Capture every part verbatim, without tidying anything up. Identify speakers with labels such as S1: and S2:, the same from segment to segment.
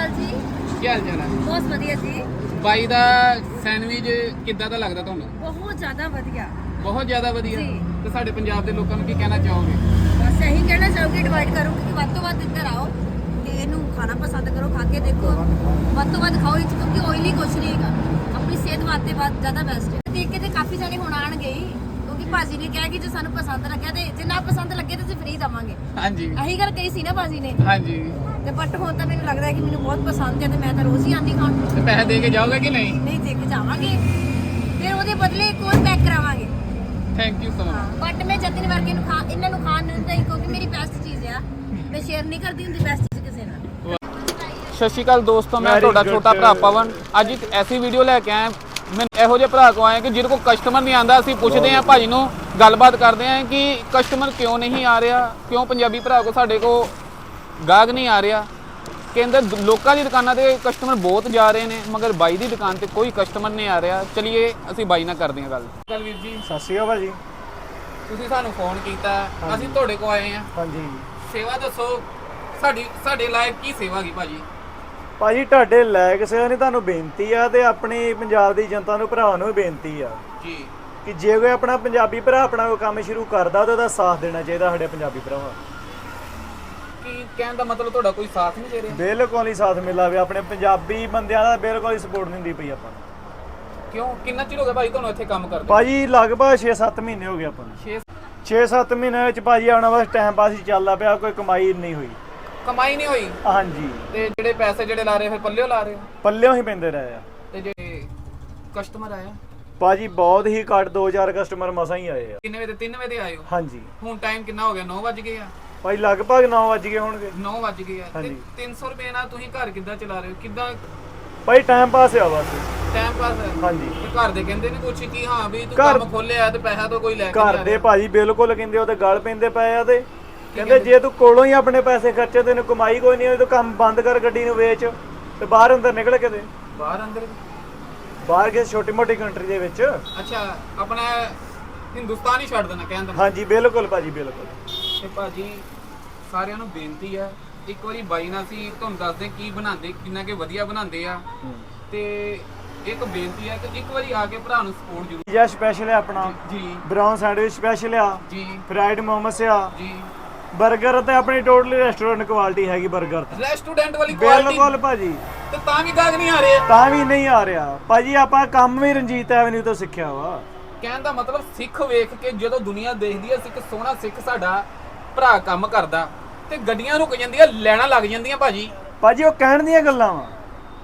S1: ਅਕਾਲ ਜੀ।
S2: ਕੀ ਹਾਲ ਚਾਲ ਹੈ?
S1: ਬਹੁਤ ਵਧੀਆ ਜੀ।
S2: ਬਾਈ ਦਾ ਸੈਂਡਵਿਚ ਕਿੱਦਾਂ ਦਾ ਲੱਗਦਾ ਤੁਹਾਨੂੰ?
S1: ਬਹੁਤ ਜ਼ਿਆਦਾ ਵਧੀਆ।
S2: ਬਹੁਤ ਜ਼ਿਆਦਾ ਵਧੀਆ।
S1: ਜੀ।
S2: ਤੇ ਸਾਡੇ ਪੰਜਾਬ ਦੇ ਲੋਕਾਂ ਨੂੰ ਕੀ ਕਹਿਣਾ ਚਾਹੋਗੇ?
S1: ਬਸ ਇਹੀ ਕਹਿਣਾ ਚਾਹੂੰਗੀ, ਇਨਵਾਈਟ ਕਰੂੰਗੀ ਕਿ ਵੱਧ ਤੋਂ ਵੱਧ ਇੱਧਰ ਆਓ ਤੇ ਇਹਨੂੰ ਖਾਣਾ ਪਸੰਦ ਕਰੋ, ਖਾ ਕੇ ਦੇਖੋ, ਵੱਧ ਤੋਂ ਵੱਧ ਖਾਓ ਇਹ 'ਚ, ਕਿਉਂਕਿ ਆਇਲੀ ਕੁਛ ਨਹੀਂ ਹੈਗਾ, ਆਪਣੀ ਸਿਹਤ ਵਾਸਤੇ ਬਹੁਤ ਜ਼ਿਆਦਾ ਬੈਸਟ ਹੈ। ਦੇਖ ਕੇ ਤੇ ਕਾਫੀ ਜਾਣੇ ਹੁਣ ਆਣਗੇ ਹੀ, ਕਿਉਂਕਿ ਭਾਜੀ ਨੇ ਕਿਹਾ ਕਿ ਜੇ ਸਾਨੂੰ ਪਸੰਦ ਲੱਗਿਆ ਤੇ ਜੇ ਨਾ ਪਸੰਦ ਲੱਗੇ ਤਾਂ ਅਸੀਂ ਫ੍ਰੀ ਦੇਵਾਂਗੇ।
S2: ਹਾਂਜੀ
S1: ਇਹੀ ਗੱਲ ਕਹੀ ਸੀ ਨਾ ਭਾਜੀ ਨੇ।
S2: ਹਾਂਜੀ।
S1: ਤੇ ਬਟ ਹੁਣ ਤਾਂ ਮੈਨੂੰ ਲੱਗਦਾ ਹੈ ਕਿ ਮੈਨੂੰ ਬਹੁਤ ਪਸੰਦ ਹੈ ਤੇ ਮੈਂ ਤਾਂ ਰੋਜ਼ ਹੀ ਆਉਂਦੀ ਖਾਣ।
S2: ਤੇ ਪੈਸੇ ਦੇ ਕੇ ਜਾਓਗੇ ਕਿ ਨਹੀਂ?
S1: ਨਹੀਂ ਦੇ ਕੇ ਜਾਵਾਂਗੇ, ਫਿਰ ਉਹਦੇ ਬਦਲੇ ਇੱਕ ਹੋਰ ਪੈਕ ਕਰਾਵਾਂਗੇ।
S2: Thank you so much.
S1: But ਮੈਂ ਜਤਨ ਵਰਗੇ ਨੂੰ ਖਾ ਇਹਨਾਂ ਨੂੰ ਖਾਣ ਨਹੀਂ ਦਿੰਦਾ, ਕਿਉਂਕਿ ਮੇਰੀ ਬੈਸਟ ਚੀਜ਼ ਆ, ਮੈਂ ਸ਼ੇਅਰ ਨਹੀਂ ਕਰਦੀ ਹੁੰਦੀ ਬੈਸਟ ਚੀਜ਼ ਕਿਸੇ ਨਾਲ।
S2: ਸਤਿ ਸ਼੍ਰੀ ਅਕਾਲ ਦੋਸਤੋ, ਮੈਂ ਤੁਹਾਡਾ ਛੋਟਾ ਭਰਾ ਪਵਨ ਅੱਜ ਇੱਕ ਐਸੀ ਵੀਡੀਓ ਲੈ ਕੇ ਆਇਆ। ਮੈਂ ਇਹੋ ਜਿਹੇ ਭਰਾ ਕੋ ਆਇਆ ਕਿ ਜਿਹਦੇ ਕੋਲ ਕਸਟਮਰ ਨਹੀਂ ਆਂਦਾ। ਅਸੀਂ ਪੁੱਛਦੇ ਹਾਂ ਭਾਜੀ ਨੂੰ, ਗੱਲਬਾਤ ਕਰਦੇ ਹਾਂ ਕਿ ਕਸਟਮਰ ਕਿਉਂ ਨਹੀਂ ਆ ਰਿਹਾ, ਕਿਉਂ ਪੰਜਾਬੀ ਭਰਾ ਕੋ ਸਾਡੇ ਕੋ ਗਾਹਕ ਨਹੀਂ ਆ ਰਿਹਾ। ਕਹਿੰਦੇ ਲੋਕਾਂ ਦੀ ਦੁਕਾਨਾਂ ਤੇ ਕਸਟਮਰ ਬਹੁਤ ਜਾ ਰਹੇ ਨੇ, ਮਗਰ ਬਾਈ ਦੀ ਦੁਕਾਨ ਤੇ ਕੋਈ ਕਸਟਮਰ ਨਹੀਂ ਆ ਰਿਹਾ। ਚਲਿਏ ਅਸੀਂ ਬਾਈ ਨਾਲ ਕਰਦੇ ਹਾਂ ਗੱਲ। ਚੱਲ ਵੀਰ ਜੀ,
S3: ਸਤਿ ਸ਼੍ਰੀ ਅਕਾਲ ਭਾਜੀ।
S2: ਤੁਸੀਂ ਸਾਨੂੰ ਫੋਨ ਕੀਤਾ, ਅਸੀਂ ਤੁਹਾਡੇ ਕੋ ਆਏ ਹਾਂ।
S3: ਹਾਂਜੀ
S2: ਸੇਵਾ ਦੱਸੋ, ਸਾਡੀ ਸਾਡੇ ਲਾਇਕ ਕੀ ਸੇਵਾ ਗਈ ਭਾਜੀ?
S3: ਭਾਜੀ ਤੁਹਾਡੇ ਲਾਇਕ ਸੇਵਾ ਨਹੀਂ, ਤੁਹਾਨੂੰ ਬੇਨਤੀ ਆ ਤੇ ਆਪਣੀ ਪੰਜਾਬ ਦੀ ਜਨਤਾ ਨੂੰ, ਭਰਾਵਾਂ ਨੂੰ ਵੀ ਬੇਨਤੀ ਆ
S2: ਜੀ
S3: ਕਿ ਜੇ ਕੋਈ ਆਪਣਾ ਪੰਜਾਬੀ ਭਰਾ ਆਪਣਾ ਕੋਈ ਕੰਮ ਸ਼ੁਰੂ ਕਰਦਾ ਤਾਂ ਉਹਦਾ ਸਾਥ ਦੇਣਾ ਚਾਹੀਦਾ ਸਾਡੇ ਪੰਜਾਬੀ ਭਰਾਵਾਂ।
S2: ਕੀ ਕਹਿਣ ਦਾ ਮਤਲਬ ਤੁਹਾਡਾ ਕੋਈ ਸਾਥ ਨਹੀਂ ਦੇ ਰਿਹਾ?
S3: ਬਿਲਕੁਲ ਹੀ ਸਾਥ ਮਿਲਾਵੇ, ਆਪਣੇ ਪੰਜਾਬੀ ਬੰਦਿਆਂ ਦਾ ਬਿਲਕੁਲ ਹੀ ਸਪੋਰਟ ਨਹੀਂ ਹੁੰਦੀ ਪਈ ਆਪਾਂ ਨੂੰ।
S2: ਕਿਉਂ, ਕਿੰਨਾ ਚਿਰ ਹੋ ਗਿਆ ਭਾਈ ਤੁਹਾਨੂੰ ਇੱਥੇ ਕੰਮ ਕਰਦੇ?
S3: ਭਾਜੀ ਲਗਭਗ ਛੇ ਸੱਤ ਮਹੀਨੇ ਹੋ ਗਏ ਆਪਾਂ ਨੂੰ।
S2: ਛੇ
S3: ਛੇ ਸੱਤ ਮਹੀਨੇ ਵਿੱਚ ਭਾਜੀ ਆਉਣਾ ਬਸ ਟਾਈਮ ਪਾਸ ਹੀ ਚੱਲਦਾ ਪਿਆ, ਕੋਈ ਕਮਾਈ ਨਹੀਂ ਹੋਈ।
S2: ਕਮਾਈ ਨਹੀਂ ਹੋਈ?
S3: ਹਾਂਜੀ।
S2: ਤੇ ਜਿਹੜੇ ਪੈਸੇ ਜਿਹੜੇ ਲਾ ਰਹੇ ਫਿਰ ਪੱਲਿਓ ਲਾ ਰਹੇ ਹੋ?
S3: ਪੱਲਿਓਂ ਹੀ ਪੈਂਦੇ ਰਹੇ ਆ।
S2: ਤੇ ਜੇ ਕਸਟਮਰ ਆਇਆ
S3: ਭਾਜੀ ਬਹੁਤ ਹੀ ਘੱਟ, ਦੋ ਚਾਰ ਕਸਟਮਰ ਮਸਾਂ ਹੀ ਆਏ ਆ।
S2: ਕਿੰਨੇ ਵਜੇ? ਤਿੰਨ ਵਜੇ ਆਏ ਹੋ?
S3: ਹਾਂਜੀ।
S2: ਹੁਣ ਟਾਈਮ ਕਿੰਨਾ ਹੋ ਗਿਆ? ਨੌ ਵੱਜ ਗਏ ਆ।
S3: ਭਾਈ ਲਗਭਗ ਨੌ ਵੱਜ ਗਏ ਹੋਣਗੇ।
S2: ਨੌ ਵੱਜ ਗਏ ਆ। ਤੇ
S3: ਹਾਂਜੀ।
S2: ਤਿੰਨ ਸੌ ਰੁਪਏ ਨਾਲ ਤੁਸੀਂ ਘਰ ਕਿੱਦਾਂ ਚਲਾ ਰਹੇ ਹੋ? ਕਿੱਦਾਂ
S3: ਭਾਈ ਟਾਈਮ ਪਾਸ ਆ ਬਸ।
S2: ਟਾਈਮ ਪਾਸ ਹੈ?
S3: ਹਾਂਜੀ।
S2: ਤੇ ਘਰ ਦੇ ਕਹਿੰਦੇ ਨਹੀਂ ਕੁਛ ਕਿ ਹਾਂ ਵੀ ਤੂੰ
S3: ਘਰ-
S2: ਕੰਮ ਖੋਲਿਆ ਤੇ ਪੈਸਾ ਤਾਂ ਕੋਈ ਲੈ ਕੇ
S3: ਘਰ
S2: ਨਹੀਂ ਆ
S3: ਦੇ
S2: ਰਿਹਾ?
S3: ਭਾਜੀ ਬਿਲਕੁਲ ਕਹਿੰਦੇ ਉਹ ਤੇ ਗਲ ਪੈਂਦੇ ਪਏ ਆ ਤੇ ਕਹਿੰਦੇ ਜੇ ਤੂੰ ਕੋਲੋਂ ਹੀ ਆਪਣੇ ਪੈਸੇ ਖਰਚੇ, ਤੈਨੂੰ ਕਮਾਈ ਕੋਈ ਨਹੀਂ ਹੋਈ, ਤੂੰ ਕੰਮ ਬੰਦ ਕਰ, ਗੱਡੀ ਨੂੰ ਵੇਚ ਤੇ ਬਾਹਰ ਅੰਦਰ ਨਿਕਲ ਕੇ ਦੇ।
S2: ਬਾਹਰ ਅੰਦਰ?
S3: ਬਾਹਰ ਕਿਸੇ ਛੋਟੀ ਮੋਟੀ ਕੰਟਰੀ ਦੇ ਵਿੱਚ।
S2: ਅੱਛਾ, ਆਪਣਾ ਹਿੰਦੁਸਤਾਨ ਹੀ ਛੱਡ ਦੇਣਾ ਕਹਿੰਦਾ?
S3: ਹਾਂਜੀ ਬਿਲਕੁਲ ਭਾਜੀ ਬਿਲਕੁਲ।
S2: ਤੇ ਭਾਜੀ ਸਾਰਿਆਂ ਨੂੰ ਬੇਨਤੀ ਆ, ਇੱਕ ਵਾਰੀ ਬਾਈ ਨਾਲ ਅਸੀਂ ਤੁਹਾਨੂੰ ਦੱਸਦੇ ਕੀ ਬਣਾਉਂਦੇ, ਕਿੰਨਾ ਕਿ ਵਧੀਆ ਬਣਾਉਂਦੇ ਆ। ਤੇ ਇੱਕ ਬੇਨਤੀ ਆ ਕਿ ਇੱਕ ਵਾਰੀ ਆ ਕੇ ਭਰਾ ਨੂੰ ਸਪੋਰਟ ਜ਼ਰੂਰ।
S3: ਪੀਜ਼ਾ ਸਪੈਸ਼ਲ ਹੈ ਆਪਣਾ
S2: ਜੀ
S3: ਬ੍ਰਾਊਨ ਸੈਂਡਵਿਚ ਸਪੈਸ਼ਲ ਆ
S2: ਜੀ
S3: ਫਰਾਈਡ ਮੋਮੋਸ ਆ
S2: ਜੀ।
S3: 버ਗਰ ਤੇ ਆਪਣੀ ਟੋਟਲੀ ਰੈਸਟੋਰੈਂਟ ਕੁਆਲਿਟੀ ਹੈਗੀ 버ਗਰ ਤੇ
S2: ਰੈਸਟੋਰੈਂਟ ਵਾਲੀ ਕੁਆਲਿਟੀ?
S3: ਬਿਲਕੁਲ ਭਾਜੀ।
S2: ਤੇ ਤਾਂ ਵੀ ਗਾਹਕ ਨਹੀਂ ਆ ਰਹੇ?
S3: ਤਾਂ ਵੀ ਨਹੀਂ ਆ ਰਿਹਾ ਭਾਜੀ, ਆਪਾਂ ਕੰਮ ਵੀ ਰਣਜੀਤ ਐਵਨਿਊ ਤੋਂ ਸਿੱਖਿਆ ਵਾ।
S2: ਕਹਿਣ ਦਾ ਮਤਲਬ ਸਿੱਖ ਵੇਖ ਕੇ ਜਦੋਂ ਦੁਨੀਆ ਦੇਖਦੀ ਹੈ ਸਿੱਖ ਸੋਹਣਾ ਸਿੱਖ ਸਾਡਾ ਭਰਾ ਕੰਮ ਕਰਦਾ ਤੇ ਗੱਡੀਆਂ ਰੁਕ ਜਾਂਦੀਆਂ, ਲੈਣਾ ਲੱਗ ਜਾਂਦੀਆਂ ਭਾਜੀ।
S3: ਭਾਜੀ ਉਹ ਕਹਿਣ ਦੀਆਂ ਗੱਲਾਂ ਵਾ,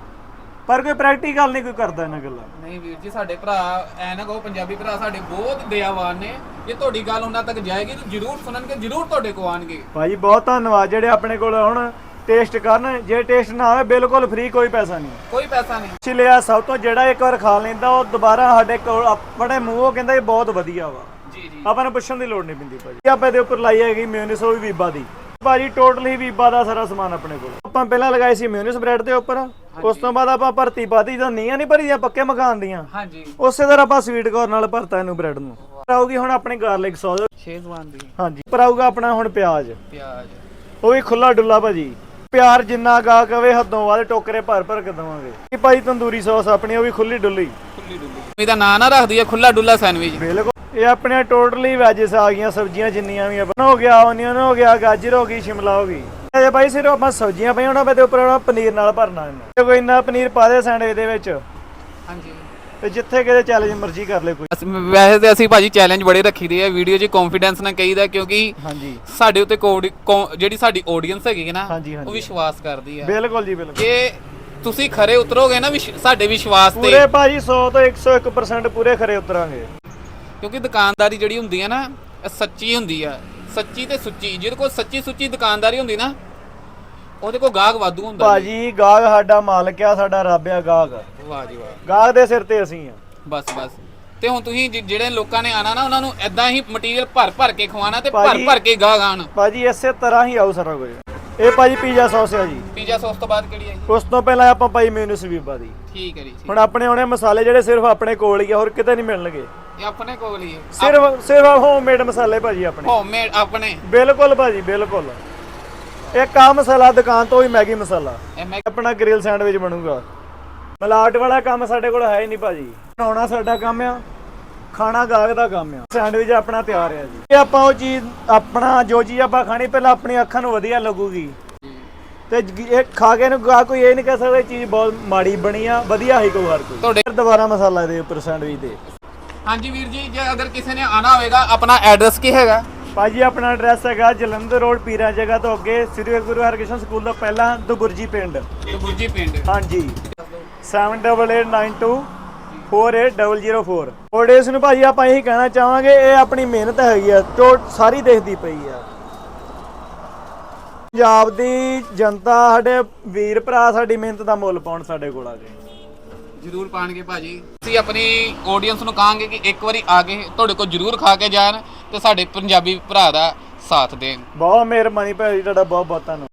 S3: ਪਰ ਕੋਈ ਪ੍ਰੈਕਟੀਕਲ ਨਹੀਂ ਕੋਈ ਕਰਦਾ ਇਹਨਾਂ ਗੱਲਾਂ।
S2: ਨਹੀਂ ਵੀਰ ਜੀ, ਸਾਡੇ ਭਰਾ ਐ ਨਾ ਕਹੋ, ਪੰਜਾਬੀ ਭਰਾ ਸਾਡੇ ਬਹੁਤ ਦਇਆਵਾਨ ਨੇ। ਜੇ ਤੁਹਾਡੀ ਗੱਲ ਉਹਨਾਂ ਤੱਕ ਜਾਏਗੀ ਤਾਂ ਜ਼ਰੂਰ ਸੁਣਨਗੇ, ਜ਼ਰੂਰ ਤੁਹਾਡੇ ਕੋ ਆਣਗੇ।
S3: ਭਾਜੀ ਬਹੁਤ ਧੰਨਵਾਦ ਜਿਹੜੇ ਆਪਣੇ ਕੋਲ ਹੁਣ ਟੇਸਟ ਕਰਨ। ਜੇ ਟੇਸਟ ਨਾ ਆਵੇ ਬਿਲਕੁਲ ਫ੍ਰੀ, ਕੋਈ ਪੈਸਾ ਨਹੀਂ।
S2: ਕੋਈ ਪੈਸਾ ਨਹੀਂ।
S3: ਚਲਿਆ ਸਭ ਤੋਂ ਜਿਹੜਾ ਇੱਕ ਵਾਰ ਖਾ ਲੈਂਦਾ ਉਹ ਦੁਬਾਰਾ ਸਾਡੇ ਕੋਲ ਆਪਣੇ ਮੂੰਹੋਂ ਕਹਿੰਦਾ ਇਹ ਬਹੁਤ ਵਧੀਆ ਵਾ।
S2: ਜੀ ਜੀ।
S3: ਆਪਾਂ ਨੂੰ ਪੁੱਛਣ ਦੀ ਲੋੜ ਨਹੀਂ ਪੈਂਦੀ ਭਾਜੀ। ਆਪਾਂ ਇਹਦੇ ਉੱਪਰ ਲਾਈ ਹੈਗੀ ਮਿਊਨਿਸ, ਉਹ ਵੀ ਵੀਬਾ ਦੀ ਭਾਜੀ। ਟੋਟਲ ਹੀ ਵੀਬਾ ਦਾ ਸਾਰਾ ਸਮਾਨ ਆਪਣੇ ਕੋਲ। ਆਪਾਂ ਪਹਿਲਾਂ ਲਗਾਈ ਸੀ ਮਿਊਨਿਸ ਬ੍ਰੈਡ ਦੇ ਉੱਪਰ, ਉਸ ਤੋਂ ਬਾਅਦ ਆਪਾਂ ਭਰਤੀ ਪਾਤੀ ਜਦੋਂ ਨੀਆਂ ਨਹੀਂ ਭਰੀਆਂ ਪੱਕੇ ਮਕਾਨ ਦੀਆਂ,
S2: ਹਾਂਜੀ,
S3: ਉਸੇ ਤਰ੍ਹਾਂ ਆਪਾਂ ਸਵੀਟ ਕੋਰਨ ਨਾਲ ਭਰਤਾ ਇਹਨੂੰ ਬ੍ਰੈਡ ਨੂੰ। ਆਊਗੀ ਹੁਣ ਆਪਣੀ ਗਾਰਲਿਕ ਸੌਸ
S2: ਸ਼ੇਜ਼ਵਾਨ ਦੀ।
S3: ਹਾਂਜੀ। ਪਰ ਆਊਗਾ ਆਪਣਾ ਹੁਣ ਪਿਆਜ਼,
S2: ਪਿਆਜ਼
S3: ਉਹ ਵੀ ਖੁੱਲਾ ਡੁੱਲਾ ਭਾਜੀ। ਪਿਆਰ ਜਿੰਨਾ ਗਾ ਕਵੇ ਹੱਦੋਂ ਵੱਧ ਟੋਕਰੇ ਭਰ ਭਰ ਕੇ ਦਵਾਂਗੇ। ਇਹ ਭਾਜੀ ਤੰਦੂਰੀ ਸੌਸ ਆਪਣੀ, ਉਹ ਵੀ ਖੁੱਲੀ ਡੁੱਲੀ।
S2: ਖੁੱਲੀ ਡੁੱਲੀ ਇਹਦਾ ਨਾਂ ਨਾ ਰੱਖਦੀ ਹੈ ਖੁੱਲਾ ਡੁੱਲਾ ਸੈਂਡਵਿਚ?
S3: ਬਿਲਕੁਲ। ਇਹ ਆਪਣੇ ਟੋਟਲੀ ਵੈਜਸ ਆ ਗਈਆਂ, ਸਬਜ਼ੀਆਂ ਜਿੰਨੀਆਂ ਵੀ ਆਪਣਾ ਹੋ ਗਿਆ, ਓਨੀਅਨ ਹੋ ਗਿਆ, ਗਾਜਰ ਹੋ ਗਈ, ਸ਼ਿਮਲਾ ਹੋ ਗਈ। ਇਹ ਭਾਈ ਸਿਰਫ ਆਪਾਂ ਸਬਜ਼ੀਆਂ ਪਈਆਂ ਉਹਨਾਂ ਦੇ ਉੱਪਰ ਪਨੀਰ ਨਾਲ ਭਰਨਾ ਇਹਨੂੰ। ਕੋਈ ਇੰਨਾ ਪਨੀਰ ਪਾ ਦੇ ਸੈਂਡਵਿਚ ਦੇ ਵਿੱਚ,
S2: ਹਾਂਜੀ।
S3: ਤੇ ਜਿੱਥੇ ਕਿਤੇ ਚੈਲੰਜ ਮਰਜ਼ੀ ਕਰ ਲੈ ਕੋਈ।
S2: ਵੈਸੇ ਤੇ ਅਸੀਂ ਭਾਜੀ ਚੈਲੰਜ ਬੜੇ ਰੱਖੀਦੇ ਆ ਵੀਡੀਓ 'ਚ, ਕੌਨਫੀਡੈਂਸ ਨਾਲ ਕਹੀਦਾ, ਕਿਉਂਕਿ
S3: ਹਾਂਜੀ
S2: ਸਾਡੇ ਉੱਤੇ ਜਿਹੜੀ ਸਾਡੀ ਆਡੀਅנס ਹੈਗੀ ਨਾ
S3: ਹਾਂਜੀ
S2: ਉਹ
S3: ਹਾਂਜੀ
S2: ਵਿਸ਼ਵਾਸ ਕਰਦੀ ਆ।
S3: ਬਿਲਕੁਲ ਜੀ ਬਿਲਕੁਲ।
S2: ਜੇ ਤੁਸੀਂ ਖਰੇ ਉਤਰੋਗੇ ਨਾ ਸਾਡੇ ਵਿਸ਼ਵਾਸ ਤੇ,
S3: ਪੂਰੇ ਭਾਜੀ ਸੌ ਤੋਂ ਇੱਕ ਸੌ ਇੱਕ ਪਰਸੈਂਟ ਪੂਰੇ ਖਰੇ ਉਤਰਾਂਗੇ।
S2: ਕਿਉਂਕਿ ਦੁਕਾਨਦਾਰੀ ਜਿਹੜੀ ਹੁੰਦੀ ਆ ਨਾ ਇਹ ਸੱਚੀ ਹੁੰਦੀ ਆ, ਸੱਚੀ ਤੇ ਸੁੱਚੀ। ਜਿਹਦੇ ਕੋਲ ਸੱਚੀ ਸੁੱਚੀ ਦੁਕਾਨਦਾਰੀ ਹੁੰਦੀ ਨਾ ਉਹਦੇ ਕੋਲ ਗਾਹਕ ਵਾਧੂ ਹੁੰਦਾ
S3: ਭਾਜੀ। ਗਾਹਕ ਸਾਡਾ ਮਾਲਕ ਆ, ਸਾਡਾ ਰੱਬ ਆ ਗਾਹਕ।
S2: ਵਾਹ ਜੀ ਵਾਹ।
S3: ਗਾਹਕ ਦੇ ਸਿਰ ਤੇ ਅਸੀਂ ਆ
S2: ਬਸ ਬਸ। ਤੇ ਹੁਣ ਤੁਸੀਂ ਜਿਹੜੇ ਲੋਕਾਂ ਨੇ ਆਣਾ ਨਾ ਉਹਨਾਂ ਨੂੰ ਐਦਾਂ ਹੀ ਮਟੀਰੀਅਲ ਭਰ ਭਰ ਕੇ ਖਵਾਣਾ ਤੇ ਭਰ ਭਰ ਕੇ ਗਾਹਕ ਆਣ
S3: ਭਾਜੀ। ਇਸੇ ਤਰ੍ਹਾਂ ਹੀ ਆਉ ਸਾਰਾ ਕੁਝ। ਇਹ ਭਾਜੀ ਪੀਜ਼ਾ ਸੌਸ ਆ ਜੀ।
S2: ਪੀਜ਼ਾ ਸੌਸ ਤੋਂ ਬਾਅਦ ਕਿਹੜੀ ਹੈ ਜੀ?
S3: ਉਸ ਤੋਂ ਪਹਿਲਾਂ ਆਪਾਂ ਭਾਈ ਮਿਊਨਿਸ ਵੀਬਾ ਦੀ।
S2: ਠੀਕ ਹੈ ਜੀ।
S3: ਹੁਣ ਆਪਣੇ ਆਉਣੇ ਮਸਾਲੇ ਜਿਹੜੇ ਸਿਰਫ ਆਪਣੇ ਕੋਲ ਹੀ ਆ, ਹੋਰ ਕਿਤੇ ਨਹੀਂ ਮਿਲਣਗੇ।
S2: ਇਹ ਆਪਣੇ ਕੋਲ ਹੀ ਹੈ?
S3: ਸਿਰਫ ਸਿਰਫ ਹੋਮਮੇਡ ਮਸਾਲੇ ਭਾਜੀ ਆਪਣੇ।
S2: ਹੋਮਮੇਡ ਆਪਣੇ?
S3: ਬਿਲਕੁਲ ਭਾਜੀ ਬਿਲਕੁਲ। ਇੱਕ ਆ ਮਸਾਲਾ ਦੁਕਾਨ ਤੋਂ ਹੀ ਮੈਗੀ ਮਸਾਲਾ
S2: ਇਹ ਮੈਂ
S3: ਆਪਣਾ ਗ੍ਰਿਲ ਸੈਂਡਵਿਚ ਬਣੂਗਾ। ਮਿਲਾਵਟ ਵਾਲਾ ਕੰਮ ਸਾਡੇ ਕੋਲ ਹੈ ਹੀ ਨਹੀਂ ਭਾਜੀ। ਬਣਾਉਣਾ ਸਾਡਾ ਕੰਮ ਆ, ਖਾਣਾ ਗਾਹਕ ਦਾ ਕੰਮ ਆ। ਸੈਂਡਵਿਚ ਆਪਣਾ ਤਿਆਰ ਆ ਜੀ। ਇਹ ਆਪਾਂ ਉਹ ਚੀਜ਼ ਆਪਣਾ ਜੋ ਚੀਜ਼ ਆਪਾਂ ਖਾਣੀ ਪਹਿਲਾਂ ਆਪਣੀ ਅੱਖਾਂ ਨੂੰ ਵਧੀਆ ਲੱਗੂਗੀ ਤੇ ਇਹ ਖਾ ਕੇ ਨੂੰ ਗਾ ਕੋਈ ਇਹ ਨਹੀਂ ਕਹਿ ਸਕਦਾ ਇਹ ਚੀਜ਼ ਬਹੁਤ ਮਾੜੀ ਬਣੀ ਆ, ਵਧੀਆ ਹੀ ਕੋਈ ਹਰ ਕੋਈ।
S2: ਤੁਹਾਡੇ
S3: ਦੁਬਾਰਾ ਮਸਾਲਾ ਦੇ ਉੱਪਰ ਸੈਂਡਵਿਚ ਦੇ।
S2: ਹਾਂਜੀ ਵੀਰ ਜੀ, ਜੇ ਅਗਰ ਕਿਸੇ ਨੇ ਆਣਾ ਹੋਵੇਗਾ ਆਪਣਾ ਐਡਰੈਸ ਕੀ ਹੈਗਾ?
S3: ਭਾਜੀ ਆਪਣਾ ਐਡਰੈਸ ਹੈਗਾ ਜਲੰਧਰ ਰੋਡ ਪੀਰਾਂ ਜਗ੍ਹਾ ਤੋਂ ਅੱਗੇ ਸ੍ਰੀ ਗੁਰੂ ਹਰਕ੍ਰਿਸ਼ਨ ਸਕੂਲ ਤੋਂ ਪਹਿਲਾਂ ਦੁਬੁਰਜੀ ਪਿੰਡ।
S2: ਦੁਬੁਰਜੀ ਪਿੰਡ।
S3: ਹਾਂਜੀ seven double eight nine two four eight double zero four. ਓਡੇਸ ਨੂੰ ਭਾਜੀ ਆਪਾਂ ਇਹੀ ਕਹਿਣਾ ਚਾਹਾਂਗੇ ਇਹ ਆਪਣੀ ਮਿਹਨਤ ਹੈਗੀ ਆ ਤੋਂ ਸਾਰੀ ਦੇਖਦੀ ਪਈ ਆ। ਪੰਜਾਬ ਦੀ ਜਨਤਾ ਸਾਡੇ ਵੀਰ ਭਰਾ ਸਾਡੀ ਮਿਹਨਤ ਦਾ ਮੁੱਲ ਪਾਉਣ ਸਾਡੇ ਕੋਲ ਆ ਗਏ।
S2: ਜ਼ਰੂਰ ਪਾਣਗੇ ਭਾਜੀ। ਅਸੀਂ ਆਪਣੀ ਆਡੀਅנס ਨੂੰ ਕਹਾਂਗੇ ਕਿ ਇੱਕ ਵਾਰੀ ਆ ਕੇ ਤੁਹਾਡੇ ਕੋਲ ਜ਼ਰੂਰ ਖਾ ਕੇ ਜਾਣ ਤੇ ਸਾਡੇ ਪੰਜਾਬੀ ਭਰਾ ਦਾ ਸਾਥ ਦੇਣ।
S3: ਬਹੁਤ ਮਿਹਰਬਾਨੀ ਭਾਜੀ ਤੁਹਾਡਾ, ਬਹੁਤ ਬਹੁਤ ਧੰਨਵਾਦ।